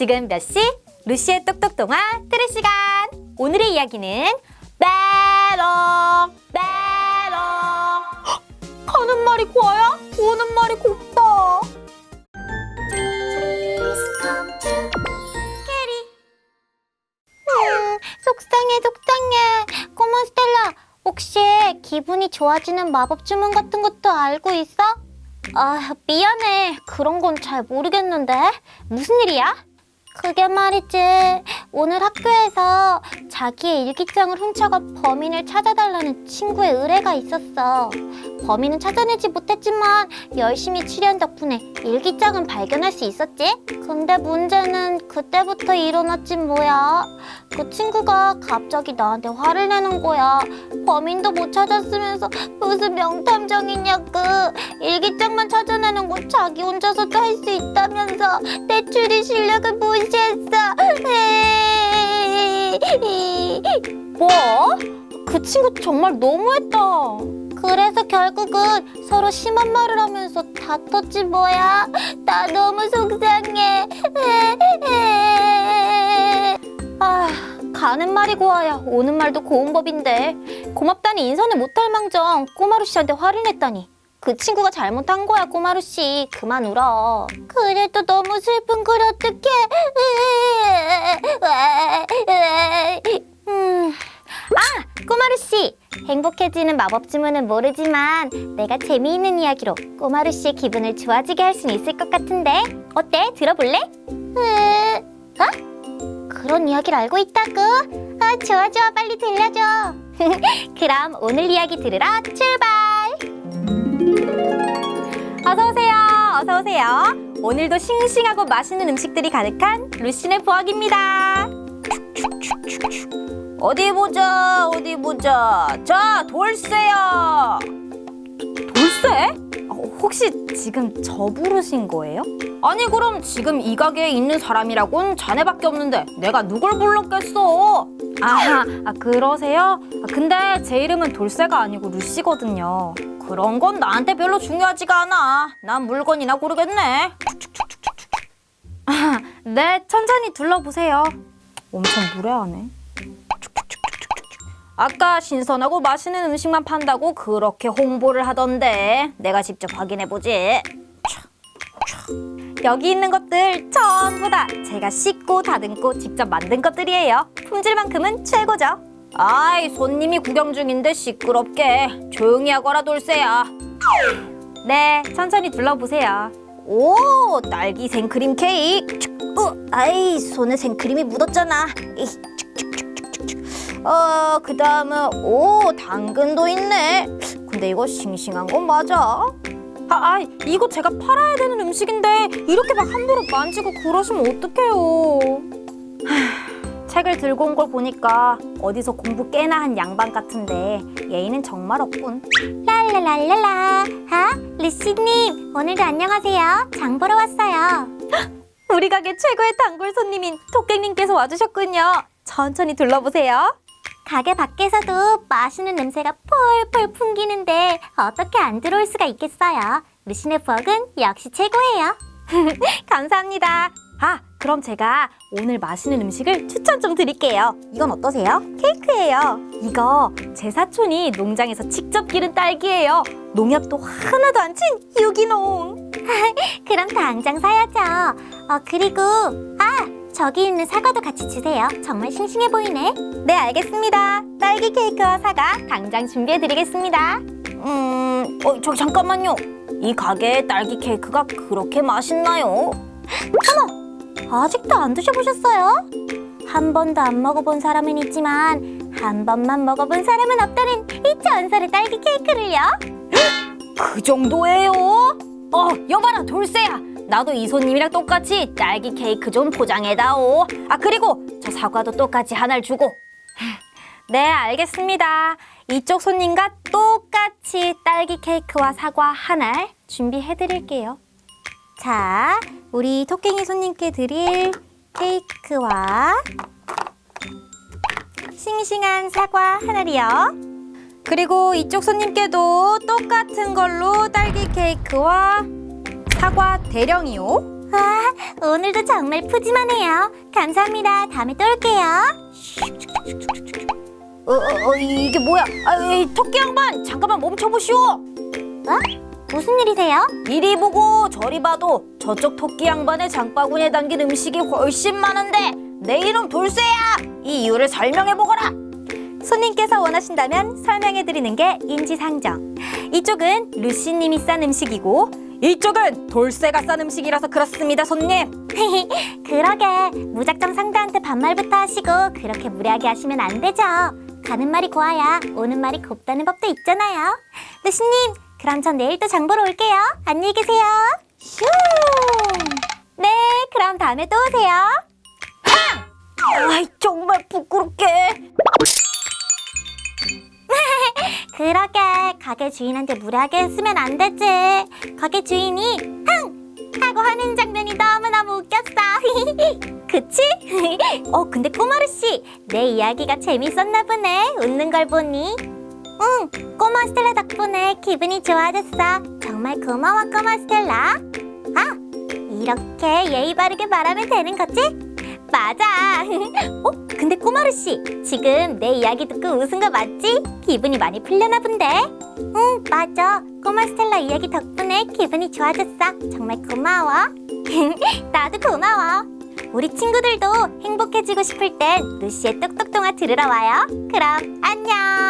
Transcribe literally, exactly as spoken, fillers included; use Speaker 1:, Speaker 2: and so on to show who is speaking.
Speaker 1: 지금 몇 시? 루시의 똑똑동화 들을 시간! 오늘의 이야기는 메롱! 메롱! 가는 말이 고와야 오는 말이 곱다. 캐리. 음, 속상해 속상해. 꼬마 스텔라, 혹시 기분이 좋아지는 마법 주문 같은 것도 알고 있어? 아, 미안해. 그런 건 잘 모르겠는데. 무슨 일이야? 그게 말이지, 오늘 학교에서 자기의 일기장을 훔쳐가 범인을 찾아달라는 친구의 의뢰가 있었어. 범인은 찾아내지 못했지만 열심히 추리한 덕분에 일기장은 발견할 수 있었지? 근데 문제는 그때부터 일어났지 뭐야. 그 친구가 갑자기 나한테 화를 내는 거야. 범인도 못 찾았으면서 무슨 명탐정이냐고. 일기장만 찾아내는 건 자기 혼자서도 할 수 있다면서 내 추리 실력을 무시했어. 뭐? 그 친구 정말 너무했다. 그래서 결국은 서로 심한 말을 하면서 다퉜지 뭐야. 나 너무 속상해. 아, 가는 말이 고와야 오는 말도 고운 법인데, 고맙다니 인사는 못할 망정 꼬마루 씨한테 화를 냈다니. 그 친구가 잘못한 거야, 꼬마루 씨. 그만 울어. 그래도 너무 슬픈 걸 어떡해. 음. 아, 꼬마루 씨. 행복해지는 마법 주문은 모르지만 내가 재미있는 이야기로 꼬마루 씨의 기분을 좋아지게 할 수는 있을 것 같은데 어때? 들어볼래? 어? 그런 이야기를 알고 있다고? 아, 좋아 좋아, 빨리 들려줘. 그럼 오늘 이야기 들으러 출발. 어서오세요. 어서오세요. 오늘도 싱싱하고 맛있는 음식들이 가득한 루시네 부엌입니다. 어디 보자, 어디 보자. 자, 돌쇠야. 돌쇠? 혹시 지금 저 부르신 거예요? 아니, 그럼 지금 이 가게에 있는 사람이라곤 자네밖에 없는데 내가 누굴 불렀겠어? 아, 아 그러세요? 아, 근데 제 이름은 돌쇠가 아니고 루시거든요. 그런 건 나한테 별로 중요하지가 않아. 난 물건이나 고르겠네. 아, 네, 천천히 둘러보세요. 엄청 무례하네. 아까 신선하고 맛있는 음식만 판다고 그렇게 홍보를 하던데 내가 직접 확인해보지. 여기 있는 것들 전부 다 제가 씻고 다듬고 직접 만든 것들이에요. 품질만큼은 최고죠. 아이, 손님이 구경 중인데 시끄럽게. 조용히 하거라, 돌쇠야. 네, 천천히 둘러보세요. 오, 딸기 생크림 케이크. 어, 아이, 손에 생크림이 묻었잖아. 어, 그 다음은 오, 당근도 있네. 근데 이거 싱싱한 건 맞아? 아, 아, 이거 제가 팔아야 되는 음식인데 이렇게 막 함부로 만지고 그러시면 어떡해요. 하, 책을 들고 온 걸 보니까 어디서 공부 꽤나 한 양반 같은데 예의는 정말 없군. 랄랄랄랄라. 아, 루시님, 오늘도 안녕하세요. 장 보러 왔어요. 우리 가게 최고의 단골 손님인 토깽님께서 와주셨군요. 천천히 둘러보세요. 가게 밖에서도 맛있는 냄새가 폴폴 풍기는데 어떻게 안 들어올 수가 있겠어요. 루시네 부엌은 역시 최고예요. 감사합니다. 아, 그럼 제가 오늘 맛있는 음식을 추천 좀 드릴게요. 이건 어떠세요? 케이크예요. 이거 제 사촌이 농장에서 직접 기른 딸기예요. 농약도 하나도 안 친 유기농. 그럼 당장 사야죠. 어, 그리고 아, 저기 있는 사과도 같이 주세요. 정말 싱싱해 보이네. 네, 알겠습니다. 딸기 케이크와 사과 당장 준비해드리겠습니다. 음, 어, 저기 잠깐만요. 이 가게의 딸기 케이크가 그렇게 맛있나요? 어머, 아직도 안 드셔보셨어요? 한 번도 안 먹어본 사람은 있지만 한 번만 먹어본 사람은 없다는 이 전설의 딸기 케이크를요? 그 정도예요? 어, 여봐라, 돌쇠야. 나도 이 손님이랑 똑같이 딸기 케이크 좀 포장해다오. 아, 그리고 저 사과도 똑같이 하나를 주고. 네, 알겠습니다. 이쪽 손님과 똑같이 딸기 케이크와 사과 하나 준비해드릴게요. 자, 우리 토깽이 손님께 드릴 케이크와 싱싱한 사과 하나리요. 그리고 이쪽 손님께도 똑같은 걸로 딸기 케이크와 사과 대령이요.
Speaker 2: 와, 오늘도 정말 푸짐하네요. 감사합니다. 다음에 또 올게요.
Speaker 1: 어, 어, 어, 이게 뭐야? 아, 이 토끼 양반, 잠깐만 멈춰보시오.
Speaker 2: 어? 무슨 일이세요?
Speaker 1: 이리 보고 저리 봐도 저쪽 토끼 양반의 장바구니에 담긴 음식이 훨씬 많은데 내 이름 돌쇠야. 이 이유를 설명해보거라.
Speaker 2: 손님께서 원하신다면 설명해드리는 게 인지상정. 이쪽은 루시님이 싼 음식이고
Speaker 1: 이쪽은 돌쇠가 싼 음식이라서 그렇습니다, 손님.
Speaker 2: 그러게 무작정 상대한테 반말부터 하시고 그렇게 무례하게 하시면 안 되죠. 가는 말이 고와야 오는 말이 곱다는 법도 있잖아요. 루시님, 그럼 전 내일 또 장 보러 올게요. 안녕히 계세요. 슝! 네, 그럼 다음에 또 오세요.
Speaker 1: 아이, 정말 부끄럽게.
Speaker 2: 그러게 가게 주인한테 무례하게 했으면 안 되지. 가게 주인이 흥! 하고 하는 장면이 너무너무 웃겼어. 그치? 어 근데 꼬마루씨, 내 이야기가 재밌었나 보네. 웃는 걸 보니. 응, 꼬마 스텔라 덕분에 기분이 좋아졌어. 정말 고마워 꼬마 스텔라. 아, 이렇게 예의 바르게 말하면 되는 거지? 맞아. 어? 근데 꼬마루씨, 지금 내 이야기 듣고 웃은 거 맞지? 기분이 많이 풀려나 본데? 응, 맞아. 꼬마 스텔라 이야기 덕분에 기분이 좋아졌어. 정말 고마워. 나도 고마워. 우리 친구들도 행복해지고 싶을 땐 루시의 똑똑동화 들으러 와요. 그럼 안녕.